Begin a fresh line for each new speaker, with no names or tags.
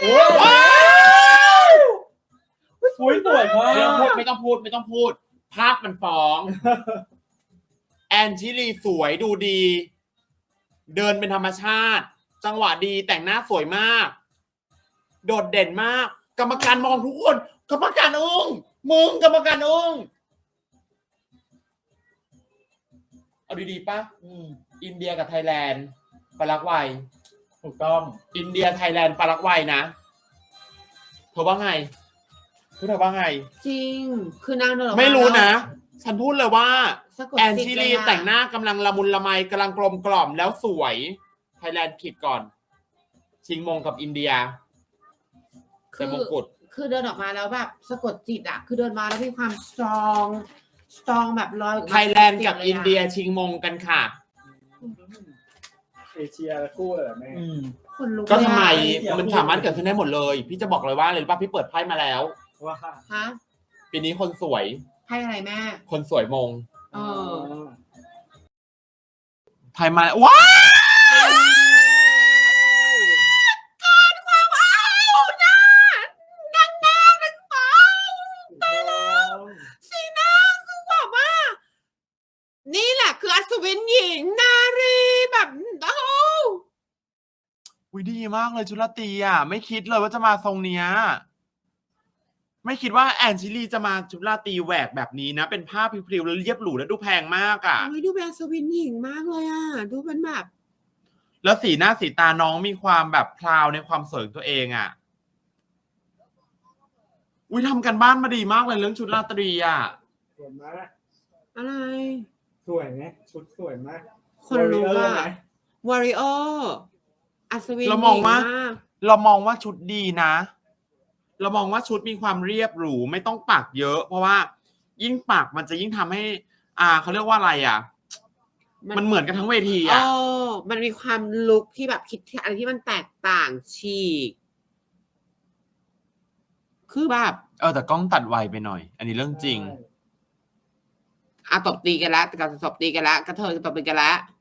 ว้าว
สวยมาก
ไม่ต้องพูดภาพมันฟ้องแอนชิลีสวยดูดี เดินเป็นธรรมชาติ จังหวะดีแต่งหน้าสวยมาก โดดเด่นมาก กรรมการมองทุกคนกรรมการอึ้งมึงกรรมการอึ้งเอาดีๆป่ะอินเดียกับไทยแลนด์ปารากวัย
ถูกต้อง
อินเดียไทยแลนด์ปารากวัยนะเธอว่าไงเธอว่าไง
จริงคือนางเดิน
ไม่รู้นะฉันพูดเลยว่า
สะกด
แอน
จิต
ชิ
เล
ลี
ยอะ
แต่งหน้ากำลังละมุนละไมกำลังกลมกล่อมแล้วสวยไทยแลนด์ขีดก่อน ชิงมงกับอินเดียแต่มงกุฎ
คือเดินออกมาแล้วแบบสะกดจิตอ่ะคือเดินมาแล้วมีความสตรองแบบลอยออกมา
ไทยแลนด์กับอินเดียชิงมงกันค่ะ
เอเชียคู่เลยแม่
คนลุก
ก็ทำไม
เลยอะ
มันสามารถเกิดขึ้นได้หมดเลย พี่จะบอกเลยว่าอะไรรู้ป่ะพี่เปิดไพ่มาแล้ว
ว่า
ฮะ
ปีนี้คนสวย
ไพ่อะไรแม่
คนสวยมง
เออ
ไพ่มาว้าว
สีหน้าคือแบบว่า นี่แหละคืออัศวินหญิงนารีแบบโอ้
วิดีมากเลยชุลตีอ่ะไม่คิดเลยว่าจะมาทรงเนี้ยไม่คิดว่าแอนชิลีจะมาชุลตีแหวกแบบนี้นะ เป็นผ้าพริ้วๆแล้วเรียบหรูแล้วดูแพงมากอ่ะ
ยดูเป็นอัศวินหญิงมากเลยอ่ะดูเป็นแบบ
แล้วสีหน้าสีตาน้องมีความแบบพราวในความสวยของตัวเองอ่ะอุ้ยทำกันบ้านมาดีมากเลยเรื่องชุดราตรีอ่ะ
สวยมาก
อะไร
สวยไหมชุดสวยมาก
คนรู้ว่า
ไหม
วอริโออัศวิน
เรามองว่า
หญิก
เรามองว่าชุดดีนะ เรามองว่าชุดมีความเรียบหรูไม่ต้องปักเยอะ เพราะว่ายิ่งปักมันจะยิ่งทำให้เขาเรียกว่าอะไรอ่ะ มันเหมือนกันทั้งเวทีอ่ะ
มันมีความลุคที่แบบคิดอะไรที่มันแตกต่างฉีก คือแบบ
แต่กล้องตัดไวไปหน่อย อันนี้เรื่องจริง
ตบตีกันแล้วแต่กับตบตีกันแล้วกระเทยตบตีกันแล้ว